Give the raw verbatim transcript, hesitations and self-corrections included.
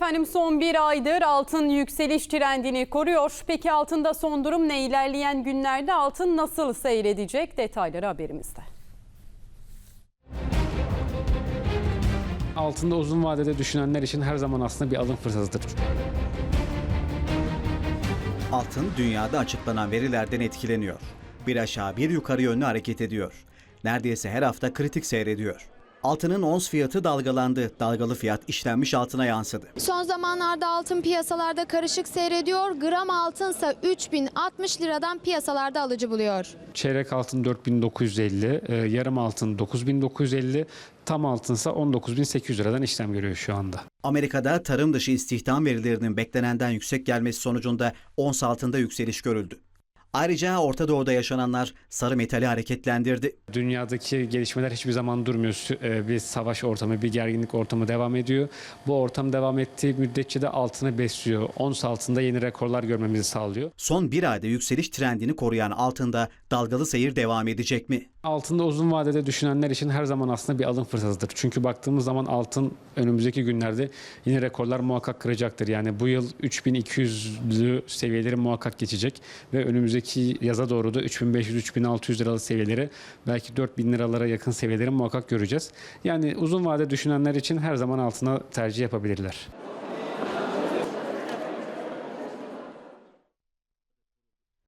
Efendim son bir aydır altın yükseliş trendini koruyor. Peki altında son durum ne? İlerleyen günlerde altın nasıl seyredecek? Detayları haberimizde. Altında uzun vadede düşünenler için her zaman aslında bir alım fırsatıdır. Altın dünyada açıklanan verilerden etkileniyor. Bir aşağı bir yukarı yönlü hareket ediyor. Neredeyse her hafta kritik seyrediyor. Altının ons fiyatı dalgalandı. Dalgalı fiyat işlenmiş altına yansıdı. Son zamanlarda altın piyasalarda karışık seyrediyor. Gram altınsa üç bin altmış liradan piyasalarda alıcı buluyor. Çeyrek altın dört bin dokuz yüz elli, e, yarım altın dokuz bin dokuz yüz elli, tam altınsa on dokuz bin sekiz yüz liradan işlem görüyor şu anda. Amerika'da tarım dışı istihdam verilerinin beklenenden yüksek gelmesi sonucunda ons altında yükseliş görüldü. Ayrıca Orta Doğu'da yaşananlar sarı metali hareketlendirdi. Dünyadaki gelişmeler hiçbir zaman durmuyor. Sü- e, Bir savaş ortamı, bir gerginlik ortamı devam ediyor. Bu ortam devam ettiği müddetçe de altını besliyor. Ons altında yeni rekorlar görmemizi sağlıyor. Son bir ayda yükseliş trendini koruyan altında dalgalı seyir devam edecek mi? Altında uzun vadede düşünenler için her zaman aslında bir alım fırsatıdır. Çünkü baktığımız zaman altın önümüzdeki günlerde yine rekorlar muhakkak kıracaktır. Yani bu yıl üç bin iki yüzlü seviyeleri muhakkak geçecek ve önümüzdeki yaza doğru da üç bin beş yüz üç bin altı yüz liralı seviyeleri, belki dört bin liralara yakın seviyeleri muhakkak göreceğiz. Yani uzun vade düşünenler için her zaman altına tercih yapabilirler.